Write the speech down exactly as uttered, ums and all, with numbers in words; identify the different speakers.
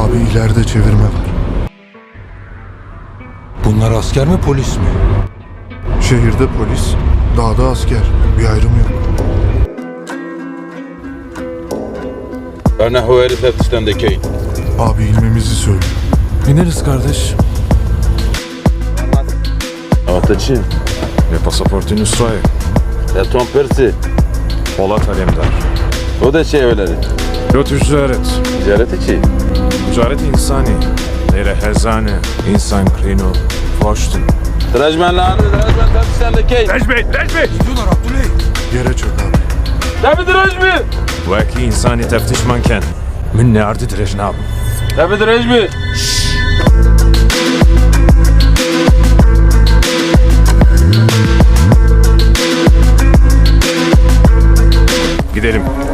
Speaker 1: Abi ileride çevirme var.
Speaker 2: Bunlar asker mi polis mi?
Speaker 1: Şehirde polis, dağda asker. Bir ayrım yok.
Speaker 3: Ana o herif teftişten dekeyin.
Speaker 1: Abi inmemizi söyle.
Speaker 4: İneriz kardeş.
Speaker 3: Ataçı.
Speaker 4: Ve pasaportun Nusra'yı.
Speaker 3: Ya Tom Persi.
Speaker 4: Polat Alemdar.
Speaker 3: O da şey öyledir.
Speaker 4: Lot ticaret.
Speaker 3: Ticaret içi.
Speaker 4: Ticaret insani. Leyre hezane. İnsan krino. Foştun.
Speaker 3: Trajmenler, trajmen teftişten dekeyin.
Speaker 4: Necmi! Necmi!
Speaker 1: Yere çök abi.
Speaker 3: Tabi trajmi.
Speaker 4: Vaki insani teftiş manken. Min ne ardı direjin abi.
Speaker 3: Tabi trajmi.
Speaker 4: Gidelim.